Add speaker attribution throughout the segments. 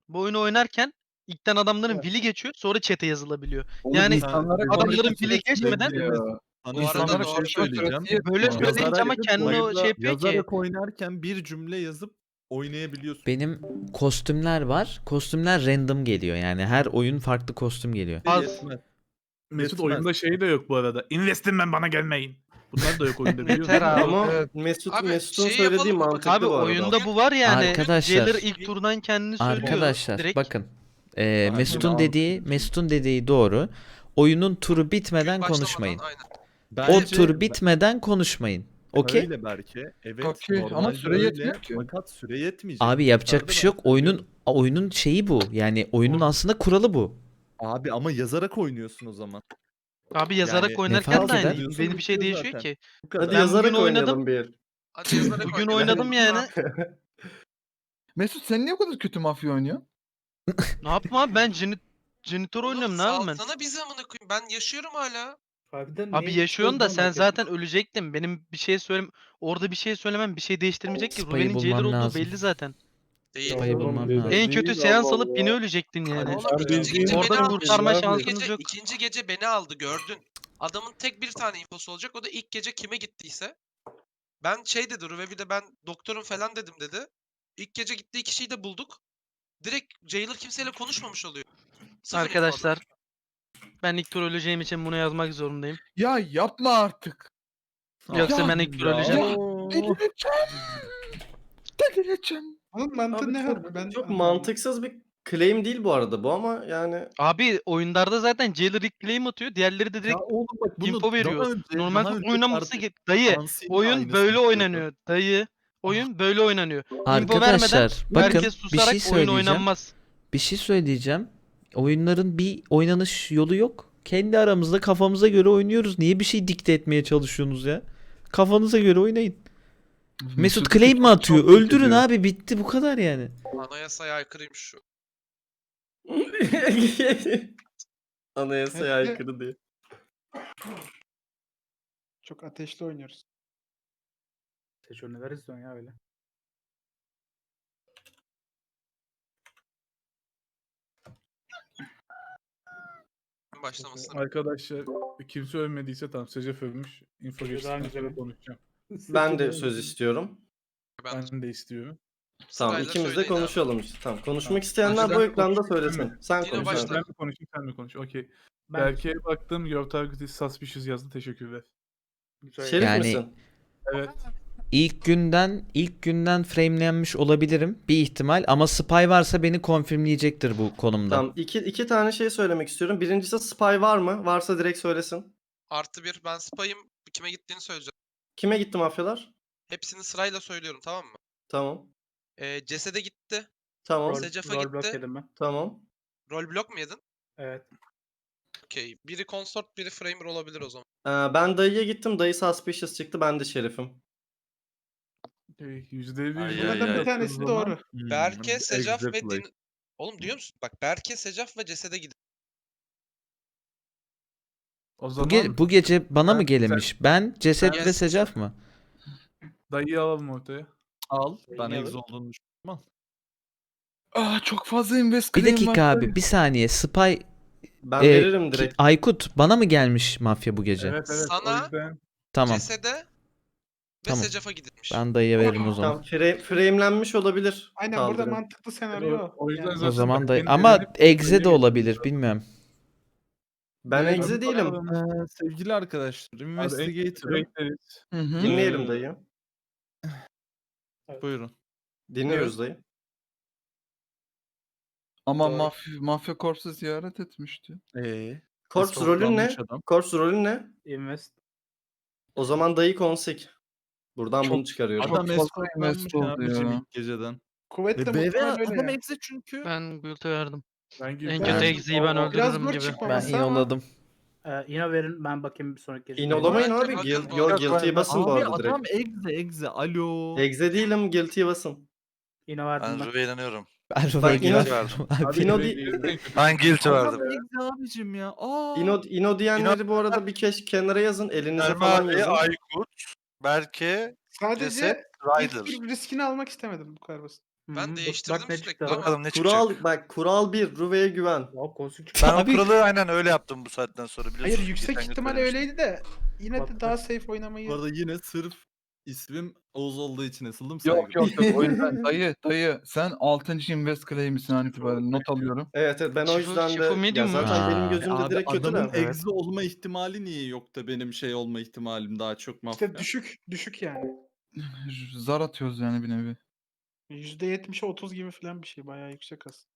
Speaker 1: Bu oyunu oynarken ilkten adamların
Speaker 2: Evet.
Speaker 1: will'i geçiyor, sonra chat'e yazılabiliyor.
Speaker 2: Oğlum
Speaker 1: Yani
Speaker 2: insanlara
Speaker 1: adamların
Speaker 2: konuşma
Speaker 1: will'i
Speaker 2: süresi
Speaker 1: geçmeden
Speaker 2: yetmiyor.
Speaker 3: Sana
Speaker 2: İnsanlara
Speaker 3: şöyle bir şey
Speaker 2: konuşma
Speaker 3: söyleyeceğim.
Speaker 2: süresi
Speaker 1: böyle
Speaker 2: yetmiyor.
Speaker 1: söyleyince ama kendini o şey yapıyor ki.
Speaker 3: Yazarak oynarken bir cümle yazıp oynayabiliyorsun.
Speaker 4: Benim kostümler var. Kostümler random geliyor. Yani her oyun farklı kostüm geliyor.
Speaker 1: Az.
Speaker 3: Yetmez.
Speaker 5: Mesut
Speaker 3: Yetmez.
Speaker 5: oyunda şey de yok bu arada. Investin ben bana gelmeyin. Bunlar da yok oyunda biliyor musun?
Speaker 1: Yeter abi.
Speaker 6: Ama
Speaker 2: Evet.
Speaker 6: Mesut'un
Speaker 7: Abi, şey
Speaker 6: söylediği
Speaker 7: yapalım mı?
Speaker 6: mantıklı
Speaker 1: Abi
Speaker 6: bu arada.
Speaker 1: oyunda bu var yani.
Speaker 4: Arkadaşlar.
Speaker 1: Jailer ilk turdan kendini söylüyor.
Speaker 4: Arkadaşlar
Speaker 1: direkt.
Speaker 4: bakın.
Speaker 3: Aynen,
Speaker 4: Mesut'un dediği doğru. Oyunun turu bitmeden
Speaker 7: Başlamadan,
Speaker 4: konuşmayın.
Speaker 7: aynen.
Speaker 4: O
Speaker 3: Bence
Speaker 4: tur bitmeden konuşmayın. Okey?
Speaker 3: öyle belki. Evet.
Speaker 2: Okey, ama
Speaker 3: normalde
Speaker 2: süre
Speaker 3: öyle,
Speaker 2: yetmiyor ki.
Speaker 3: Fakat süre yetmeyecek.
Speaker 4: Abi yapacak bir şey yok.
Speaker 3: Yukarıda
Speaker 4: Oyunun şeyi bu. Yani oyunun aslında kuralı bu.
Speaker 3: Abi ama yazarak oynuyorsun o zaman.
Speaker 1: Abi yazarak
Speaker 3: Yani
Speaker 1: oynarken
Speaker 4: fark
Speaker 1: de
Speaker 4: eder?
Speaker 1: aynı. Benim bir şey
Speaker 3: Bitiyor
Speaker 1: değişiyor
Speaker 3: zaten.
Speaker 1: ki.
Speaker 3: Bu kadar.
Speaker 6: Hadi
Speaker 1: Ben
Speaker 6: yazarak
Speaker 1: bugün oynadım.
Speaker 6: oynayalım bir.
Speaker 7: Hadi yazarak
Speaker 1: Bugün
Speaker 7: oynayalım.
Speaker 1: oynadım yani.
Speaker 2: Mesut sen niye o kadar kötü mafya oynuyorsun?
Speaker 1: Ne yapayım abi, ben Janitor oynuyorum, ne yapayım ben?
Speaker 7: Salsana bizi amına koyayım. Ben yaşıyorum hala.
Speaker 1: Abi yaşıyorsun da sen zaten ölecektin. Benim bir şey orada bir şey söylemem bir şey değiştirmeyecek ki.
Speaker 4: Spy'ı
Speaker 1: Ruben'in jailer
Speaker 4: bulmam
Speaker 1: olduğu
Speaker 4: lazım.
Speaker 1: belli zaten.
Speaker 7: Değil.
Speaker 4: Spy'ı bulmam lazım.
Speaker 1: En kötü seans alıp yine ölecektin yani.
Speaker 7: Oğlum ikinci gece
Speaker 1: Orada
Speaker 7: beni aldı.
Speaker 1: kurtarma
Speaker 7: İkinci
Speaker 1: şansınız
Speaker 7: gece-
Speaker 1: yok.
Speaker 7: İkinci gece beni aldı gördün. Adamın tek bir tane infosu olacak. O da ilk gece kime gittiyse. Ben şey dedi Ruve bir de ben doktorum falan dedim dedi. İlk gece gittiği kişiyi de bulduk. Direkt Jailer kimseyle konuşmamış oluyor. Sıfır info
Speaker 1: Arkadaşlar
Speaker 7: adam.
Speaker 1: ben ilk tur öleceğim için bunu yazmak zorundayım.
Speaker 2: Ya yapma artık.
Speaker 1: Yoksa
Speaker 2: Ya,
Speaker 1: ben ilk tur
Speaker 3: ya.
Speaker 1: öleceğim.
Speaker 2: Delireceğim. Delireceğim.
Speaker 8: Onun mantığı
Speaker 6: Abi
Speaker 8: ne
Speaker 6: çok,
Speaker 8: harbi? Ben
Speaker 6: çok
Speaker 8: anlamadım.
Speaker 6: mantıksız bir claim değil bu arada bu ama yani
Speaker 1: Abi oyunlarda zaten jailer ilk claim atıyor. Diğerleri de
Speaker 3: Ya
Speaker 1: direkt
Speaker 3: oğlum bak bunu
Speaker 1: info veriyor.
Speaker 3: daha önce,
Speaker 1: Normal
Speaker 3: daha
Speaker 1: tur
Speaker 3: önce
Speaker 1: oynaması
Speaker 3: kardeşim
Speaker 1: dayı.
Speaker 3: Hansi'nin
Speaker 1: Oyun
Speaker 3: aynısını
Speaker 1: böyle
Speaker 3: yapıyordu.
Speaker 1: oynanıyor. Dayı. Oyun böyle oynanıyor. İnfo vermeden
Speaker 4: Arkadaşlar bakın
Speaker 1: herkes
Speaker 4: bir
Speaker 1: susarak
Speaker 4: şey
Speaker 1: oyun
Speaker 4: söyleyeceğim.
Speaker 1: oynanmaz.
Speaker 4: Bir şey söyleyeceğim. Oyunların bir oynanış yolu yok. Kendi aramızda kafamıza göre oynuyoruz. Niye bir şey dikte etmeye çalışıyorsunuz ya? Kafanıza göre oynayın. Mesut claim mi atıyor? Öldürün abi, bitti bu kadar yani.
Speaker 7: Anayasaya aykırıymış şu.
Speaker 6: anayasaya aykırı diye.
Speaker 8: Çok ateşli oynuyoruz.
Speaker 9: Seçiyor neler izliyorsun ya öyle.
Speaker 7: Başlamasın.
Speaker 5: Arkadaşlar kimse ölmediyse tamam. Secef ölmüş. Info
Speaker 9: Daha
Speaker 5: geçtikten
Speaker 9: güzel.
Speaker 5: sonra konuşacağım.
Speaker 6: Ben de söz istiyorum.
Speaker 5: Ben de istiyorum.
Speaker 6: Tamam
Speaker 7: Sırayla
Speaker 6: ikimiz de
Speaker 7: söyleyin abi.
Speaker 6: konuşalım işte. Tamam konuşmak
Speaker 5: Tamam.
Speaker 6: isteyenler bu
Speaker 5: Ben
Speaker 6: ekranda
Speaker 5: konuşayım,
Speaker 6: söylesin.
Speaker 5: mi?
Speaker 6: Sen
Speaker 7: Dino
Speaker 6: konuş.
Speaker 7: başla.
Speaker 6: abi.
Speaker 5: Ben mi konuşayım sen mi konuş? Okey.
Speaker 9: Ben
Speaker 5: Berke'ye baktım. Your target is suspicious yazdı. Teşekkürler.
Speaker 9: güzel.
Speaker 6: Şerif
Speaker 4: Yani-
Speaker 6: misin?
Speaker 5: Evet.
Speaker 4: İlk günden framelenmiş olabilirim bir ihtimal ama spy varsa beni konfirmleyecektir bu konumda.
Speaker 6: Tamam iki tane şey söylemek istiyorum. Birincisi spy var mı? Varsa direkt söylesin.
Speaker 7: +1 ben spayım. Kime gittiğini söyleyeceğim.
Speaker 6: Kime gitti mafyalar?
Speaker 7: Hepsini sırayla söylüyorum tamam mı?
Speaker 6: Tamam.
Speaker 7: Cesede gitti.
Speaker 6: Tamam.
Speaker 7: Secaf'a
Speaker 9: Rol block
Speaker 7: gitti.
Speaker 9: yedim ben.
Speaker 6: Tamam.
Speaker 7: Rol block mu yedin?
Speaker 9: Evet.
Speaker 7: Okey. Biri consort biri framer olabilir o zaman.
Speaker 6: Ben dayıya gittim. Dayı suspicious çıktı. Ben de şerifim.
Speaker 5: %100
Speaker 3: Ay,
Speaker 8: Bunlardan
Speaker 3: ay,
Speaker 8: bir tanesi doğru.
Speaker 7: Berke, Secaf ve
Speaker 3: exactly.
Speaker 7: Din... Oğlum duyuyor musun? Bak Berke, Secaf ve Cesede gidin.
Speaker 5: O
Speaker 4: Bu,
Speaker 5: zaman
Speaker 4: bu gece bana mı
Speaker 5: Ben-
Speaker 4: gelinmiş? Ben, Ceset
Speaker 7: Ben-
Speaker 4: ve Secaf mı?
Speaker 5: dayıyı alalım ortaya.
Speaker 3: Al. Ben
Speaker 6: Yine
Speaker 3: egz
Speaker 6: alır.
Speaker 3: olduğunu düşünüyorum.
Speaker 2: Çok fazla invest
Speaker 4: Bir
Speaker 2: claim
Speaker 4: dakika
Speaker 2: var.
Speaker 4: abi, bir saniye. Spy
Speaker 6: Ben
Speaker 4: Ee,
Speaker 6: veririm direkt.
Speaker 4: Aykut bana mı gelmiş mafya bu gece?
Speaker 5: Evet evet.
Speaker 7: Sana-
Speaker 5: O yüzden
Speaker 4: Tamam.
Speaker 7: Cesede ve
Speaker 4: Tamam.
Speaker 7: Secaf'a gidilmiş.
Speaker 4: Ben dayıya veririm o zaman.
Speaker 6: Tamam framelenmiş olabilir.
Speaker 8: Aynen burada
Speaker 6: Kaldırın.
Speaker 8: mantıklı senaryo o.
Speaker 5: O yüzden
Speaker 8: Yani.
Speaker 5: zaten
Speaker 4: O zaman
Speaker 5: bak,
Speaker 4: dayı.
Speaker 5: benim
Speaker 4: Ama
Speaker 5: dediğim-
Speaker 4: egze de olabilir, bilmiyorum.
Speaker 6: Ben
Speaker 5: Dayı-
Speaker 6: egze değilim.
Speaker 3: Sevgili arkadaşlar, Investigator'ım.
Speaker 5: Bekleriz.
Speaker 2: Hı hı.
Speaker 6: Dinleyelim dayı.
Speaker 3: Buyurun.
Speaker 6: Dinliyoruz dayı.
Speaker 2: Ama
Speaker 7: Doğru.
Speaker 2: mafya korpsu ziyaret etmişti.
Speaker 6: Corpse rolün ne?
Speaker 3: Eskortlanmış adam.
Speaker 6: Corpse rolün ne?
Speaker 9: Invest.
Speaker 6: O zaman dayı konsik. Buradan
Speaker 2: Çok-
Speaker 6: bunu çıkarıyorum.
Speaker 2: Çok
Speaker 3: Adam
Speaker 2: fazla
Speaker 3: eskortlanmış
Speaker 2: invest oldu
Speaker 3: abicim
Speaker 2: ya.
Speaker 3: ilk geceden.
Speaker 8: Kuvvetle
Speaker 3: BV
Speaker 8: muhtemelen öyle
Speaker 3: adam
Speaker 8: ya.
Speaker 3: egze çünkü.
Speaker 1: Ben Guilt'e verdim.
Speaker 5: Ben
Speaker 1: En
Speaker 5: girdim.
Speaker 1: kötü egziyi ben
Speaker 8: Biraz
Speaker 1: öldürürüm
Speaker 8: zor
Speaker 1: gibi.
Speaker 8: çıkmaması
Speaker 4: Ben
Speaker 8: ama
Speaker 4: inoladım.
Speaker 9: Yine verin ben bakayım bir sonraki gece.
Speaker 6: İnolamayın
Speaker 7: Bakın,
Speaker 6: abi.
Speaker 7: bakın
Speaker 6: Guilt,
Speaker 7: bu
Speaker 6: yo,
Speaker 7: arada.
Speaker 6: guilty'yi basın bu
Speaker 3: Abi
Speaker 6: arada
Speaker 3: adam
Speaker 6: direkt.
Speaker 3: egze. Alo.
Speaker 6: Egze değilim. Guilty'yi basın.
Speaker 9: Yine verdim
Speaker 10: Ben
Speaker 9: ben.
Speaker 10: Rube'ye inanıyorum.
Speaker 4: Ben
Speaker 6: Bak,
Speaker 4: Rube'ye
Speaker 6: inan-
Speaker 4: gidiyorum.
Speaker 5: Abi,
Speaker 6: Ino
Speaker 5: Rube'ye
Speaker 6: di-
Speaker 5: girdim.
Speaker 10: Ben guilty
Speaker 3: Adam
Speaker 10: verdim.
Speaker 3: egze abicim ya. Aa.
Speaker 6: İno diyenleri bu arada bir kenara yazın. Elinize
Speaker 10: Erme
Speaker 6: falan
Speaker 10: abi,
Speaker 6: yazın.
Speaker 10: Aykut, Berke,
Speaker 8: sadece
Speaker 10: Ceset,
Speaker 8: ilk
Speaker 10: Ryder.
Speaker 8: tur riskini almak istemedim bu kadar basit.
Speaker 7: Ben
Speaker 9: Bak
Speaker 7: değiştirdim
Speaker 9: ne
Speaker 7: sürekli
Speaker 9: çıktı
Speaker 7: ama.
Speaker 9: abi.
Speaker 5: Bakalım ne çıkacak.
Speaker 6: Kural 1. Ruve'ye güven.
Speaker 9: Hop konsül çıktı.
Speaker 5: Ben o
Speaker 4: Abi-
Speaker 5: kuralı aynen öyle yaptım bu saatten sonra biliyorsun.
Speaker 8: Hayır yüksek
Speaker 5: Geçen gün
Speaker 8: ihtimal
Speaker 5: söylemiştim.
Speaker 8: öyleydi de yine de
Speaker 9: Bak,
Speaker 8: daha
Speaker 9: bak.
Speaker 8: safe oynamayı.
Speaker 3: Bu arada yine sırf ismim Oğuz olduğu için asıldım
Speaker 2: Yok yok yok o yüzden dayı sen 6. invest claim'isin an itibaren not alıyorum.
Speaker 6: Evet evet ben o
Speaker 1: Şifu-
Speaker 6: yüzden
Speaker 1: şifu
Speaker 6: de ya
Speaker 1: medium mu?
Speaker 6: zaten benim
Speaker 4: Aa.
Speaker 6: gözümde
Speaker 3: Abi
Speaker 6: direkt kötü
Speaker 3: adamın
Speaker 6: de.
Speaker 3: egzi olma ihtimali niye yok da benim şey olma ihtimalim daha çok mafya.
Speaker 8: İşte düşük yani.
Speaker 2: Zar atıyoruz yani bir nevi.
Speaker 8: %70'e 30 gibi falan bir şey. Bayağı yüksek aslında.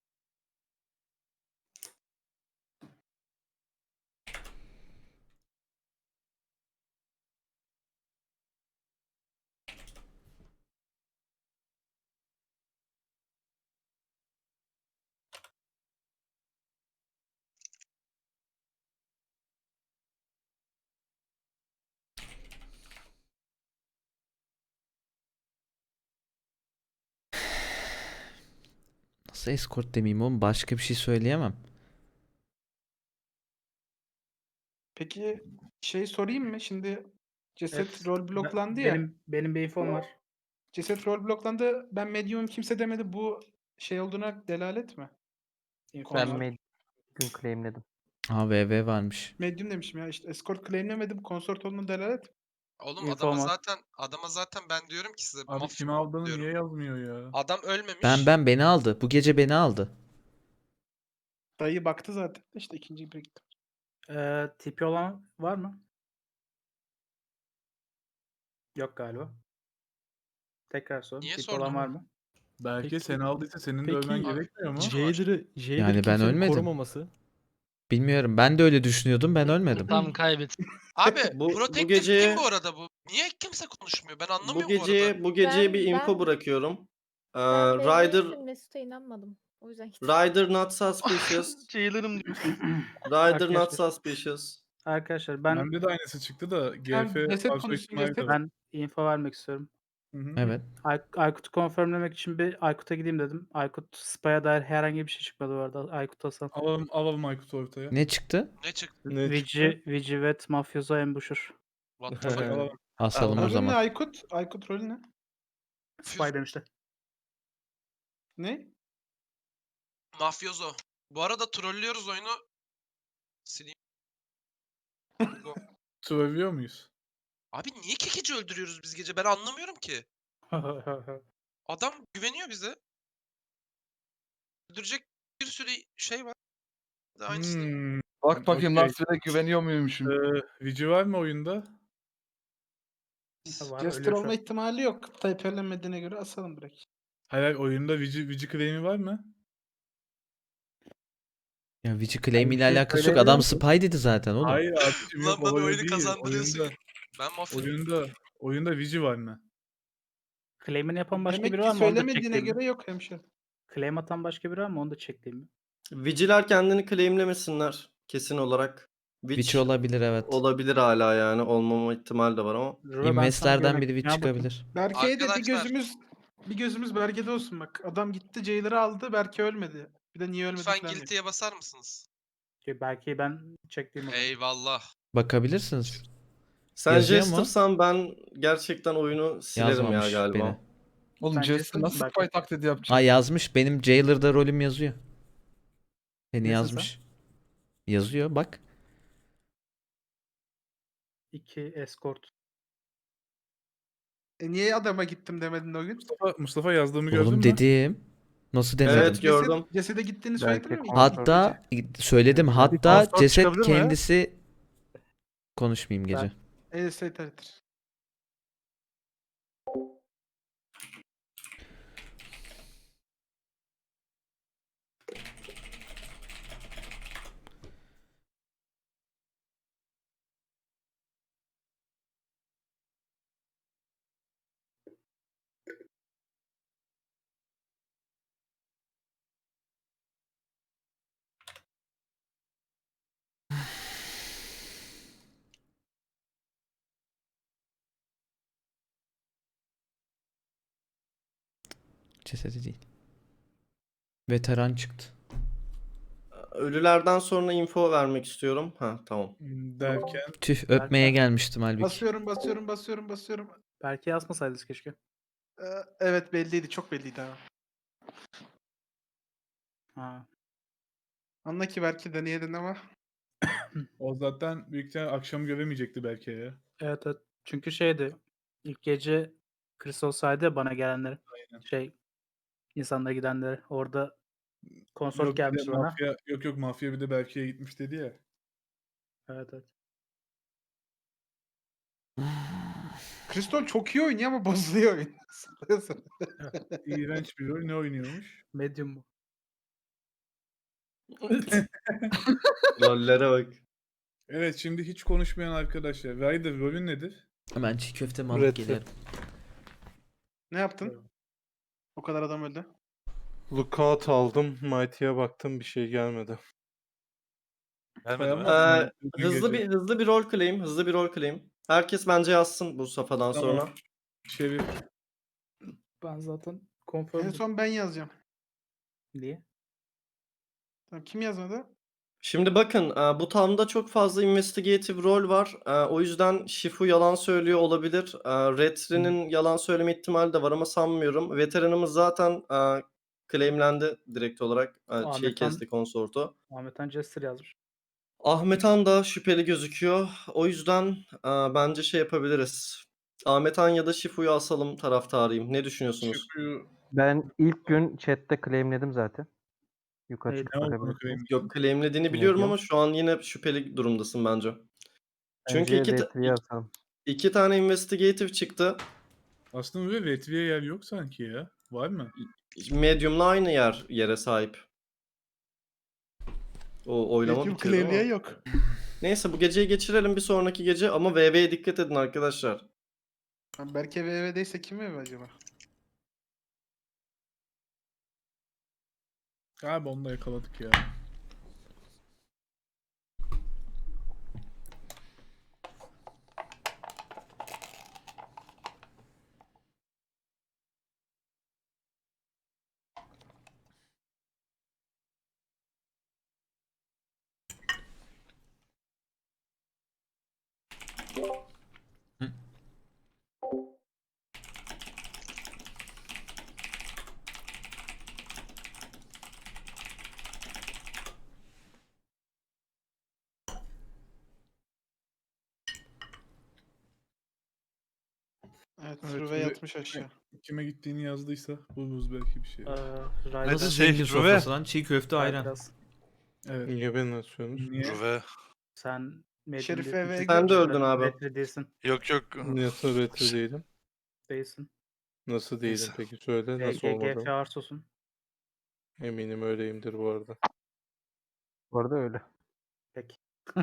Speaker 4: Nasıl escort demeyeyim oğlum? Başka bir şey söyleyemem.
Speaker 8: Peki şey sorayım mı? Şimdi ceset
Speaker 9: Evet,
Speaker 8: rol bloklandı ya.
Speaker 9: Benim bir infom var.
Speaker 8: Ceset rol bloklandı. Ben medium kimse demedi. Bu şey olduğuna delalet mi?
Speaker 9: Infom
Speaker 8: Ben
Speaker 9: var.
Speaker 8: medium
Speaker 10: claimledim.
Speaker 4: Ha VV varmış.
Speaker 8: demişim ya. İşte escort claimlemedim. Konsort olduğuna delalet mi?
Speaker 7: Oğlum
Speaker 9: Info var.
Speaker 7: adama zaten ben diyorum ki size
Speaker 3: Abi
Speaker 7: mafya
Speaker 3: kimi aldığını
Speaker 7: diyorum.
Speaker 3: niye yazmıyor ya?
Speaker 7: Adam ölmemiş.
Speaker 4: Beni aldı. Bu gece beni aldı.
Speaker 8: Dayı baktı zaten. İşte ikinci bir gitti.
Speaker 9: Tipi olan var mı? Yok galiba. Tekrar sorun.
Speaker 7: Niye
Speaker 9: Tipi
Speaker 7: sordun?
Speaker 9: olan var mı?
Speaker 3: Belki
Speaker 10: Peki-
Speaker 3: seni aldıysa senin de
Speaker 10: peki-
Speaker 3: ölmen
Speaker 7: Abi,
Speaker 3: gerekmiyor mu?
Speaker 7: Jailer-
Speaker 4: Yani ben
Speaker 10: kimsenin
Speaker 4: ölmedim.
Speaker 10: korumaması.
Speaker 4: Bilmiyorum. Ben de öyle düşünüyordum. Ben ölmedim.
Speaker 1: Tam kaybet.
Speaker 7: Abi
Speaker 6: Bu
Speaker 7: Protective
Speaker 6: geceye-
Speaker 7: kim bu arada bu? Niye kimse konuşmuyor? Ben
Speaker 6: Bu
Speaker 7: anlamıyorum
Speaker 6: geceye
Speaker 7: bu
Speaker 6: bir info
Speaker 11: Ben-
Speaker 6: bırakıyorum.
Speaker 11: Ben
Speaker 6: Ryder
Speaker 11: Mesut'a inanmadım. O yüzden gittim.
Speaker 6: Ryder not suspicious.
Speaker 1: Jailer'ım diyor.
Speaker 6: Rider not
Speaker 9: Arkadaşlar.
Speaker 6: suspicious.
Speaker 9: Arkadaşlar ben
Speaker 3: Bende de aynısı çıktı da
Speaker 8: Sen
Speaker 3: GF
Speaker 8: ceset
Speaker 3: fazla
Speaker 8: konuştun,
Speaker 3: ihtimal
Speaker 8: ceset.
Speaker 3: yok.
Speaker 9: ben info vermek istiyorum.
Speaker 3: Hı hı.
Speaker 4: Evet.
Speaker 9: Aykut'u confirmlemek için bir Aykut'a gideyim dedim. Aykut Spy'a dair herhangi bir şey çıkmadı bu arada. Aykut Hasan.
Speaker 3: Alalım Aykut'u ortaya.
Speaker 4: Ne çıktı?
Speaker 7: Ne çıktı?
Speaker 9: Vici vet Mafyoso Ambusher.
Speaker 7: What the fuck?
Speaker 3: Alalım.
Speaker 4: Asalım o
Speaker 8: Rolü ne
Speaker 4: zaman.
Speaker 8: Aykut? Aykut rolü ne?
Speaker 9: Spy demişti.
Speaker 8: Ne?
Speaker 7: Mafyozo. Bu arada trollüyoruz oyunu. Sileyim.
Speaker 3: Sövüyor muyuz?
Speaker 7: Abi niye kekici öldürüyoruz biz gece? Ben anlamıyorum ki. Adam güveniyor bize. Öldürecek bir sürü şey var. Bir de aynısını.
Speaker 2: Bak bakayım
Speaker 3: Okey.
Speaker 2: Nasret'e güveniyor muymuşum?
Speaker 3: Vici var mı oyunda?
Speaker 9: Var,
Speaker 8: Jester
Speaker 9: ölüyor şu
Speaker 8: olma
Speaker 9: an.
Speaker 8: ihtimali yok. Typerlenmediğine göre asalım direkt.
Speaker 3: Hayır oyunda Vici claim'i var mı?
Speaker 4: Ya Vici claim ile
Speaker 9: bir şey
Speaker 4: alakası yok.
Speaker 9: söyleyebilir
Speaker 4: Adam
Speaker 9: misin?
Speaker 4: spy dedi zaten oğlum.
Speaker 3: Hayır abicim
Speaker 7: Lan
Speaker 3: yok
Speaker 7: bana
Speaker 3: o öyle
Speaker 7: oyunu
Speaker 3: değil.
Speaker 7: kazandırıyorsun. Ben mafya.
Speaker 3: Oyunda Vici var mı?
Speaker 9: Claim'ini yapan başka
Speaker 8: Demek
Speaker 9: biri
Speaker 8: ki
Speaker 9: var mı? Onu da
Speaker 8: söylemediğine
Speaker 9: çekleyeyim mi?
Speaker 8: göre yok hemşire.
Speaker 9: Claim atan başka biri var mı? Onu da çekleyeyim mi?
Speaker 6: Vigiler kendini claimlemesinler kesin olarak.
Speaker 4: Witch olabilir evet.
Speaker 6: Olabilir hala yani. Olmama ihtimal de var ama.
Speaker 9: Rüve, ben sana
Speaker 4: Investlerden biri
Speaker 9: güvenerek
Speaker 4: Witch
Speaker 9: ne yapayım?
Speaker 4: çıkabilir.
Speaker 8: Berke'ye de
Speaker 7: Arkadaşlar.
Speaker 8: bir gözümüz Berke'de olsun bak. Adam gitti Jailer'ı aldı. Berke ölmedi. Bir de niye ölmedi
Speaker 7: Lütfen
Speaker 8: falan diyor.
Speaker 7: guilty'ye basar mısınız?
Speaker 9: Belki ben çekleyeyim o zaman.
Speaker 7: Eyvallah.
Speaker 4: Bakabilirsiniz.
Speaker 6: Sen
Speaker 4: Yazıyor mu?
Speaker 6: Jester'san ben gerçekten oyunu silerim ya
Speaker 4: Yazmamış
Speaker 6: galiba.
Speaker 4: beni.
Speaker 2: Oğlum
Speaker 9: Bence
Speaker 2: Jester nasıl
Speaker 9: bak-
Speaker 2: spy taklidi yapacak?
Speaker 4: Aa yazmış. Benim Jailer'da rolüm yazıyor. Beni
Speaker 9: Nesin
Speaker 4: yazmış. Yazıyor bak.
Speaker 9: 2 escort.
Speaker 8: Niye adama gittim demedin o gün?
Speaker 3: Mustafa yazdığımı gördün
Speaker 4: Oğlum
Speaker 3: mü?
Speaker 4: dedim. Nasıl demedim?
Speaker 6: Evet gördüm.
Speaker 8: Cesede gittiğini
Speaker 10: Belki
Speaker 8: söyledin mi?
Speaker 4: Hatta söyledim. Hatta
Speaker 3: konsort
Speaker 4: ceset
Speaker 3: çıkabilir mi?
Speaker 4: kendisi konuşmayayım gece.
Speaker 8: EST'dir.
Speaker 4: Cesedi değil. Veteran çıktı.
Speaker 6: Ölülerden sonra info vermek istiyorum. Ha tamam.
Speaker 3: Derken.
Speaker 4: Tüh öpmeye gelmiştim halbuki.
Speaker 8: Basıyorum.
Speaker 9: Belki yazmasaydınız keşke.
Speaker 8: Evet belliydi. Çok belliydi abi.
Speaker 9: Ha.
Speaker 8: Anla ki belki deneyedin ama.
Speaker 5: O zaten büyük ihtimalle akşam göremeyecekti belki ya.
Speaker 9: Evet evet. Çünkü şeydi. İlk gece Chris olsaydı ya bana gelenleri. Şey insanlara gidenleri. Orada konsort
Speaker 5: Yok bir de
Speaker 9: gelmişti bana.
Speaker 5: mafya bir de Berke'ye gitmiş dedi ya.
Speaker 9: Evet evet.
Speaker 8: Kristol çok iyi oynuyor ama bozuluyor oyun.
Speaker 5: İğrenç bir rol ne oynuyormuş?
Speaker 9: Medium bu.
Speaker 6: Rollere bak.
Speaker 5: Evet şimdi hiç konuşmayan arkadaşlar. Ryder rolün nedir?
Speaker 4: Hemen çiğ köfte mi alıp gelirim.
Speaker 8: Ne yaptın? O kadar adam öldü.
Speaker 10: Lookout aldım. Mighty'ye baktım bir şey gelmedi.
Speaker 5: Gelmedi mi?
Speaker 6: Hızlı bir rol claim. Hızlı bir rol claim. Herkes bence yazsın bu safhadan
Speaker 5: Tamam.
Speaker 6: sonra.
Speaker 5: Şerif.
Speaker 9: Ben zaten
Speaker 8: En
Speaker 9: confirm
Speaker 8: son ben yazacağım.
Speaker 9: diye.
Speaker 8: Tamam, kim yazmadı?
Speaker 6: Şimdi bakın bu tamda çok fazla investigative rol var. O yüzden Shifu yalan söylüyor olabilir. Retri'nin yalan söyleme ihtimali de var ama sanmıyorum. Veteranımız zaten claimlendi direkt olarak. Şey
Speaker 9: Ahmet
Speaker 6: kesti konsortu.
Speaker 9: Ahmet Han Jester yazmış.
Speaker 6: Ahmet Han da şüpheli gözüküyor. O yüzden bence şey yapabiliriz. Ahmet Han ya da Shifu'yu asalım taraftarıyım. Ne düşünüyorsunuz?
Speaker 5: Şükrü
Speaker 12: Ben ilk gün chatte claimledim zaten. Yukarı
Speaker 9: Neydi?
Speaker 12: çıkıp
Speaker 5: ne olduğunu
Speaker 12: bakabilirsiniz.
Speaker 5: claim.
Speaker 6: Yok claimlediğini biliyorum
Speaker 12: Medium.
Speaker 6: ama şu an yine şüpheli durumdasın bence. Çünkü
Speaker 12: Bence Retri'ye asalım.
Speaker 6: iki tane investigative çıktı.
Speaker 5: Aslında böyle Retri'ye yer yok sanki ya. Var mı?
Speaker 6: Medium'la aynı yere sahip. O oylama
Speaker 8: Medium
Speaker 6: bitirdi
Speaker 8: claimliğe
Speaker 6: ama.
Speaker 8: yok.
Speaker 6: Neyse bu geceyi geçirelim bir sonraki gece ama VV'ye dikkat edin arkadaşlar.
Speaker 8: Berke VV'deyse kim VV acaba?
Speaker 5: Galiba onu da yakaladık ya.
Speaker 8: Evet,
Speaker 5: Evet,
Speaker 8: Rüve
Speaker 5: Rüve-
Speaker 8: yatmış aşağı.
Speaker 5: Kime gittiğini yazdıysa buluruz belki bir şey.
Speaker 9: Ryder
Speaker 4: Nasıl
Speaker 10: şey,
Speaker 4: zengin
Speaker 10: Rüve.
Speaker 4: sofrası lan? Çiğ köfte ayran.
Speaker 9: biraz.
Speaker 5: Evet.
Speaker 10: Niye beni atıyorsunuz?
Speaker 5: Niye?
Speaker 9: Sen medium
Speaker 8: Şerif
Speaker 9: değilsin.
Speaker 8: VV'ye
Speaker 6: Sen de
Speaker 8: gör.
Speaker 6: öldün abi.
Speaker 9: Retri değilsin.
Speaker 10: Nasıl retro değilim?
Speaker 9: Değilsin.
Speaker 10: Nasıl değilim peki söyle nasıl
Speaker 9: GGF
Speaker 10: olmadı?
Speaker 9: Arsos'un.
Speaker 10: Eminim öyleyimdir bu arada.
Speaker 12: Bu arada öyle.
Speaker 9: Peki.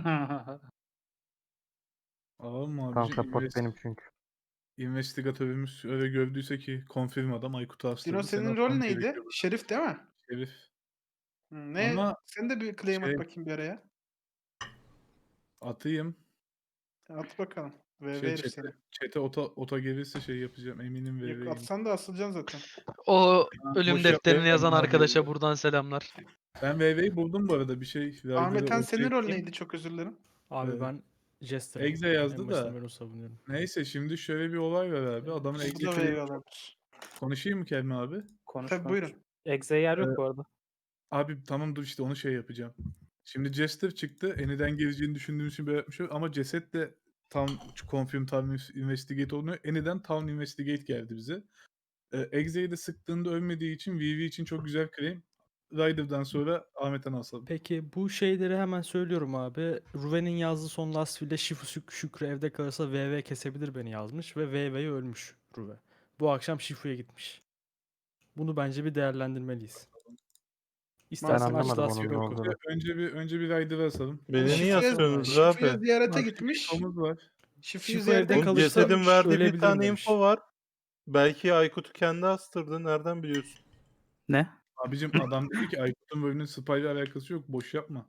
Speaker 5: Alalım mı
Speaker 12: Tam
Speaker 5: abicim?
Speaker 12: support benim çünkü.
Speaker 5: İnvestigatörümüz öyle gördüyse ki confirm adam Aykut'u astırdı.
Speaker 8: Dino senin rol neydi? Şerif değil mi?
Speaker 5: Şerif.
Speaker 8: Ne?
Speaker 5: Ama
Speaker 8: Sen de bir claim
Speaker 5: şey-
Speaker 8: at bakayım bir araya.
Speaker 5: Atayım.
Speaker 8: At bakalım. VV
Speaker 5: Şey,
Speaker 8: herif seni.
Speaker 5: Çete ota gelirse şey yapacağım. Eminim
Speaker 8: Yok
Speaker 5: VV'yim.
Speaker 8: atsan da asılacaksın zaten.
Speaker 1: O ölüm
Speaker 5: boş
Speaker 1: defterini
Speaker 5: yapmayın,
Speaker 1: yazan
Speaker 5: ben
Speaker 1: arkadaşa
Speaker 5: VV'yim.
Speaker 1: buradan selamlar.
Speaker 5: Ben VV'yi buldum bu arada bir şey.
Speaker 8: Ahmet Han senin rol
Speaker 5: neydi?
Speaker 8: neydi? Çok özür dilerim.
Speaker 5: Abi ben
Speaker 12: Jester'ım.
Speaker 5: Exe yazdı da.
Speaker 12: Ben onu savunuyorum.
Speaker 5: Neyse şimdi şöyle bir olay var abi. Adamın
Speaker 8: Bu da
Speaker 5: Exe
Speaker 8: VV olabilir.
Speaker 5: konuşayım mı Kelme abi?
Speaker 9: Konuş
Speaker 8: Tabii
Speaker 9: konuş.
Speaker 8: buyurun.
Speaker 9: Exe yer yok bu arada.
Speaker 5: Abi tamam dur işte onu şey yapacağım. Şimdi Jester çıktı. Eniden geleceğini düşündüğüm için böyle yapmış ama ceset de tam confirm tam investigate oluyor. Eniden tam investigate geldi bize. Exe'yi de sıktığında ölmediği için VV için çok güzel claim. Ryder'dan sonra Ahmet'ten asalım.
Speaker 12: Peki bu şeyleri hemen söylüyorum abi. Ruven'in yazdığı son last will'de Şükrü evde kalırsa VV kesebilir beni yazmış ve VV'ye ölmüş Ruve. Bu akşam Şifu'ya gitmiş. Bunu bence bir değerlendirmeliyiz. İstersen
Speaker 8: anlamadım
Speaker 12: aç last
Speaker 8: onun
Speaker 12: will
Speaker 8: ne
Speaker 12: oku.
Speaker 8: olduğunu.
Speaker 5: Önce bir Ryder'ı asalım.
Speaker 10: Beni niye
Speaker 8: Şifre-
Speaker 10: asıyorsunuz
Speaker 8: Şifre'ye
Speaker 10: abi?
Speaker 8: ziyarete
Speaker 5: Bak,
Speaker 8: gitmiş.
Speaker 5: Tomuz var.
Speaker 8: Şifre'yi
Speaker 12: Şifre
Speaker 8: ziyarete
Speaker 12: evde
Speaker 10: Oğlum,
Speaker 12: kalırsa
Speaker 10: cesedin verdiği bir
Speaker 12: ölebilirim
Speaker 10: tane
Speaker 12: demiş.
Speaker 10: info var. Belki Aykut'u kendi astırdı. Nereden biliyorsun?
Speaker 9: Ne?
Speaker 5: Abicim adam dedi ki Aykut'un bölümünün spy ile alakası yok. Boş yapma.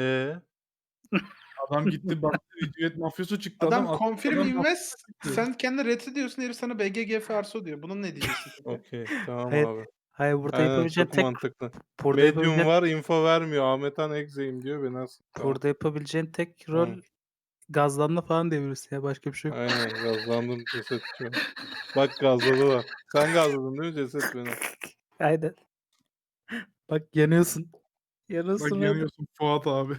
Speaker 5: Adam gitti baktı Cüret mafyosu çıktı.
Speaker 8: Adam
Speaker 5: Adam
Speaker 8: confirm
Speaker 5: adam-
Speaker 8: invest. Sen kendi retri diyorsun herif sana BGGF Arso diyor. Bunun ne diyeceksin?
Speaker 10: Okey tamam
Speaker 9: Hayır,
Speaker 10: abi.
Speaker 9: Hayır burada
Speaker 10: Aynen,
Speaker 9: yapabileceğin
Speaker 10: çok
Speaker 9: tek
Speaker 10: mantıklı.
Speaker 9: burada
Speaker 10: Medium
Speaker 9: yapabileceğin,
Speaker 10: var info vermiyor. Ahmet Han Exe'yim diyor beni asıl. Tamam.
Speaker 9: burada yapabileceğin tek rol gazlanma falan diyebilirsin ya. Başka bir şey yok.
Speaker 10: Aynen gazlandım ceset şu an. Bak gazladılar. Sen gazladın değil mi ceset beni?
Speaker 9: Aynen. Bak yanıyorsun.
Speaker 5: Bak
Speaker 9: Yanıyorsun Raider.
Speaker 5: yanıyorsun Fuat abi.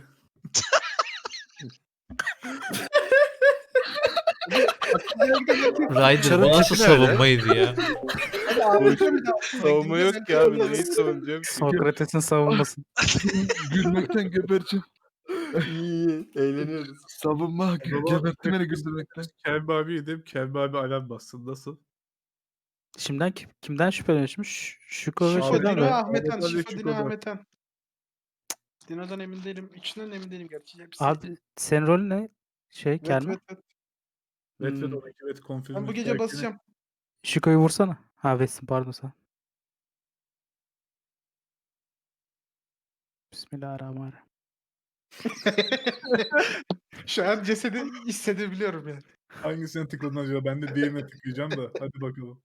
Speaker 4: Ryder bu nasıl savunmaydı ya?
Speaker 8: Hadi ağlayacağım bir daha.
Speaker 10: Savunma yok ki abi. Neyi savunacağım ki?
Speaker 9: Sokrates'in savunması.
Speaker 2: Gülmekten gebereceğim.
Speaker 6: İyi, eğleniyoruz.
Speaker 2: Savunma gebertti beni güldürmekten.
Speaker 5: Kelbi abi yedim. Kelbi abi alarm bassın. Nasıl?
Speaker 9: Şimdiden kimden şüpheleniyormuş? Şüko ve
Speaker 5: Şifo
Speaker 8: Şifo
Speaker 9: şeyden
Speaker 8: Dino
Speaker 9: mi?
Speaker 8: Ahmetan.
Speaker 5: Ahmet Ali
Speaker 8: Şifo Dino
Speaker 5: Şiko'da.
Speaker 8: Ahmetan. Dino'dan emin değilim. İkisinden emin değilim gerçi. Hepsi.
Speaker 9: Abi senin rolün ne?
Speaker 8: Evet,
Speaker 9: Kelme.
Speaker 8: evet.
Speaker 5: Vet
Speaker 9: Hmm.
Speaker 5: vet 12 vet confirm.
Speaker 8: Ben bu gece basacağım.
Speaker 9: Şüko'yu vursana. Ha Vesin pardon sen. Bismillahirrahmanirrahim.
Speaker 8: Şu an cesedi hissedebiliyorum yani.
Speaker 5: Hangisine tıkladın acaba? Ben de diğerine tıklayacağım da. Hadi bakalım.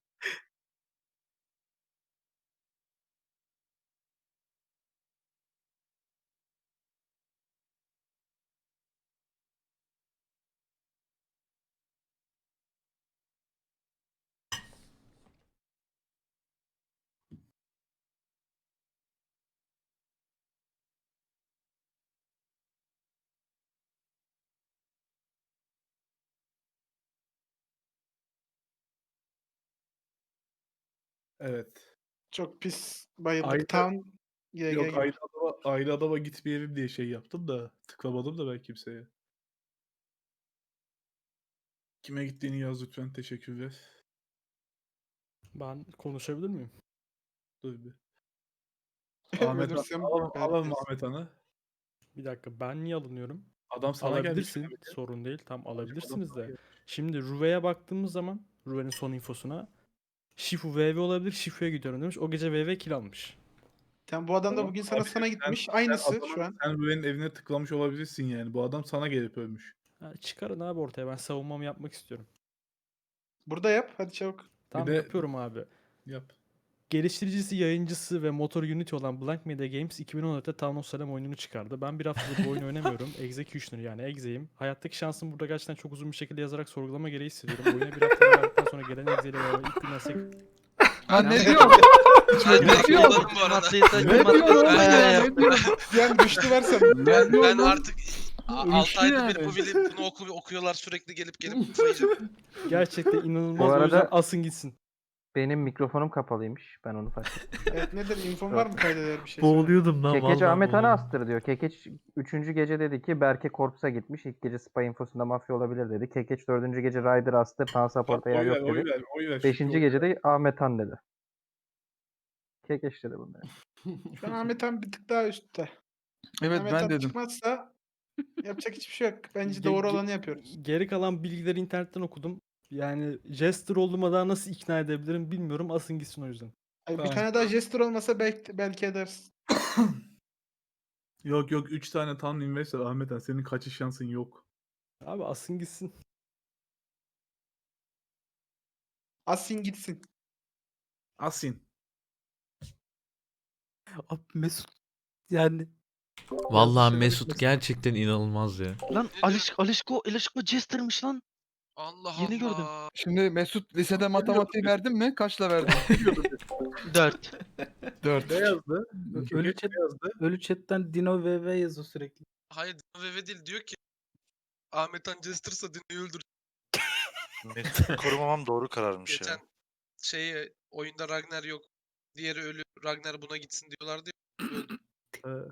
Speaker 5: Evet.
Speaker 8: Çok pis bayıldık.
Speaker 5: Ayda-
Speaker 8: Town GG
Speaker 5: Yok
Speaker 8: gibi.
Speaker 5: ayrı adama gitmeyelim diye şey yaptım da tıklamadım da ben kimseye. Kime gittiğini yaz lütfen. Teşekkürler.
Speaker 12: Ben konuşabilir miyim?
Speaker 5: Dur bir. Ahmet
Speaker 8: Ölürsem
Speaker 5: alalım
Speaker 8: belki.
Speaker 5: Ahmet Han'ı.
Speaker 12: Bir dakika ben niye alınıyorum?
Speaker 5: Adam sana gelmiş.
Speaker 12: Alabilirsin. Sorun değil. Tam alabilirsiniz
Speaker 5: sana
Speaker 12: de.
Speaker 5: gelmiş.
Speaker 12: Şimdi Ruve'ye baktığımız zaman Ruve'nin son infosuna Shifu VV olabilir. Shifu'ya gidiyorum demiş. O gece VV kill almış.
Speaker 8: Tamam, bu adam da
Speaker 5: Tamam,
Speaker 8: bugün
Speaker 5: abi
Speaker 8: sana gitmiş.
Speaker 5: sen
Speaker 8: Aynısı
Speaker 5: adamın-
Speaker 8: şu an.
Speaker 5: Sen Rüve'nin evine tıklamış olabilirsin yani. Bu adam sana gelip ölmüş.
Speaker 12: Ha, çıkarın abi ortaya. Ben savunmamı yapmak istiyorum.
Speaker 8: Burada yap. Hadi çabuk.
Speaker 12: Tamam
Speaker 5: de-
Speaker 12: yapıyorum abi.
Speaker 5: Yap.
Speaker 12: Geliştiricisi, yayıncısı ve motor Unity olan Blank Media Games 2014'te Town of Salem oyununu çıkardı. Ben bir haftadır bu oyunu oynamıyorum. Executioner yani Exe'yim. Hayattaki şansımı burada gerçekten çok uzun bir şekilde yazarak sorgulama gereği hissediyorum. Oyuna bir hafta verdikten sonra gelen Exe ile beraber ilk günden
Speaker 2: Ha ne diyor?
Speaker 7: Ben direkt yolladım bu arada.
Speaker 2: Ne diyor oğlum ya? Ne diyor?
Speaker 8: Yani düştü varsa.
Speaker 7: Ben artık 6
Speaker 2: Üçlü
Speaker 7: ayda
Speaker 2: yani.
Speaker 7: bir bu bilip bunu okuyorlar sürekli gelip kafayı
Speaker 12: gerçekten inanılmaz.
Speaker 13: Bu
Speaker 12: O yüzden
Speaker 13: arada-
Speaker 12: asın gitsin.
Speaker 13: Benim mikrofonum kapalıymış. Ben onu fark ettim.
Speaker 8: Evet, nedir? İnfon var mı kaydeder bir şey?
Speaker 4: Boğuluyordum lan
Speaker 13: Kekeç Ahmet Han'ı astır diyor. Kekeç 3. gece dedi ki Berke Korps'a gitmiş. İlk gece spy infosunda mafya olabilir dedi. Kekeç 4. gece Ryder astır. Tan support'a yer yok dedi.
Speaker 5: Oy ver.
Speaker 13: 5.
Speaker 5: Şükrü,
Speaker 13: gece de Ahmet Han dedi. Kekeç dedi bunları.
Speaker 8: Şu an Ahmet Han bir tık daha üstte.
Speaker 2: Evet
Speaker 8: Ahmet
Speaker 2: ben
Speaker 8: Han
Speaker 2: dedim.
Speaker 8: çıkmazsa yapacak hiçbir şey yok. Bence
Speaker 12: Ge-
Speaker 8: doğru
Speaker 12: ge-
Speaker 8: olanı yapıyoruz.
Speaker 12: Geri kalan bilgileri internetten okudum. Yani Jester olduğuma daha nasıl ikna edebilirim bilmiyorum. Asın gitsin o yüzden.
Speaker 8: Ay, bir
Speaker 5: Tamam.
Speaker 8: tane daha jester olmasa belki edersin.
Speaker 5: Yok 3 tane tam invest var Ahmet Han. Senin kaçış şansın yok.
Speaker 12: Abi asın gitsin.
Speaker 8: Asin gitsin.
Speaker 5: Asin.
Speaker 9: Abi Mesut yani
Speaker 4: Vallahi Mesut gerçekten inanılmaz ya.
Speaker 1: Lan Alişko Jester'mış lan.
Speaker 7: Allah
Speaker 1: Yeni gördüm.
Speaker 7: Allah.
Speaker 2: Şimdi Mesut lisede matematiği verdin mi? Kaçla verdin?
Speaker 1: 4.
Speaker 2: 4.
Speaker 5: Ne yazdı?
Speaker 9: Ölü
Speaker 5: Kekeç
Speaker 9: chat-
Speaker 5: ne yazdı?
Speaker 9: ölü chatten Dino VV yazıyor sürekli.
Speaker 7: Hayır VV değil diyor ki Ahmet Han Jester'sa Dino'yu öldür.
Speaker 14: Mesut'u korumamam doğru kararmış
Speaker 7: Geçen
Speaker 14: ya.
Speaker 7: oyunda Ragnar yok. Diğeri ölü. Ragnar buna gitsin diyorlardı ya.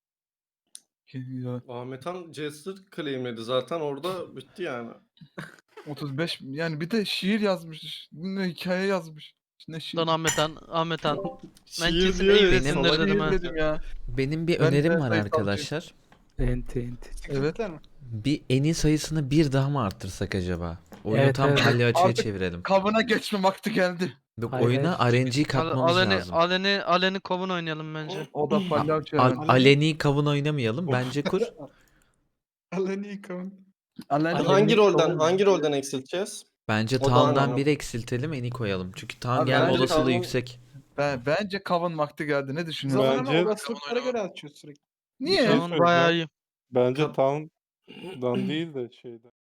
Speaker 6: Ahmet Han Jester claimledi zaten orada bitti yani.
Speaker 2: 35 yani bir de şiir yazmış. Ne hikaye yazmış. Ne şiir?
Speaker 1: Lan Ahmet Han. Ben
Speaker 2: Şiir
Speaker 1: kesin
Speaker 2: diyor ya,
Speaker 1: Eve'sindir
Speaker 4: salak
Speaker 1: dedim ha.
Speaker 2: dedim ya.
Speaker 4: Benim bir
Speaker 2: Ben de
Speaker 4: önerim var
Speaker 2: sayısalcıyım.
Speaker 4: arkadaşlar.
Speaker 9: Enti.
Speaker 2: Evet.
Speaker 8: Değil mi?
Speaker 4: Bir eni sayısını bir daha mı arttırsak acaba? Oyunu
Speaker 9: Evet,
Speaker 4: tam
Speaker 9: evet.
Speaker 4: palyaçoya
Speaker 2: Artık-
Speaker 4: çevirelim.
Speaker 2: Kabına geçme vakti geldi.
Speaker 4: Yok,
Speaker 9: Hayır,
Speaker 4: oyuna RNG katmamız lazım.
Speaker 1: Aleni kovun oynayalım bence.
Speaker 2: O da palyaço yani.
Speaker 4: Aleni kavun oynamayalım. Bence kur.
Speaker 8: Allah'ını yıkavun.
Speaker 2: Aleni-
Speaker 6: Hangi rolden eksilteceğiz?
Speaker 4: Bence
Speaker 6: O da
Speaker 4: Town'dan
Speaker 6: anlamam.
Speaker 4: bir eksiltelim, eni koyalım. Çünkü Town
Speaker 2: Abi
Speaker 4: gelme
Speaker 2: bence
Speaker 4: olasılığı
Speaker 6: Town'un-
Speaker 4: yüksek.
Speaker 2: Bence kavun vakti geldi. Ne düşünüyorsun?
Speaker 8: Zaman ama
Speaker 10: Bence-
Speaker 8: olasılıklara göre açıyoruz sürekli.
Speaker 2: Niye?
Speaker 10: Şey
Speaker 1: Tamam bayağı iyi.
Speaker 10: Bence
Speaker 6: Kap-
Speaker 10: Town Dan değil de şeyden.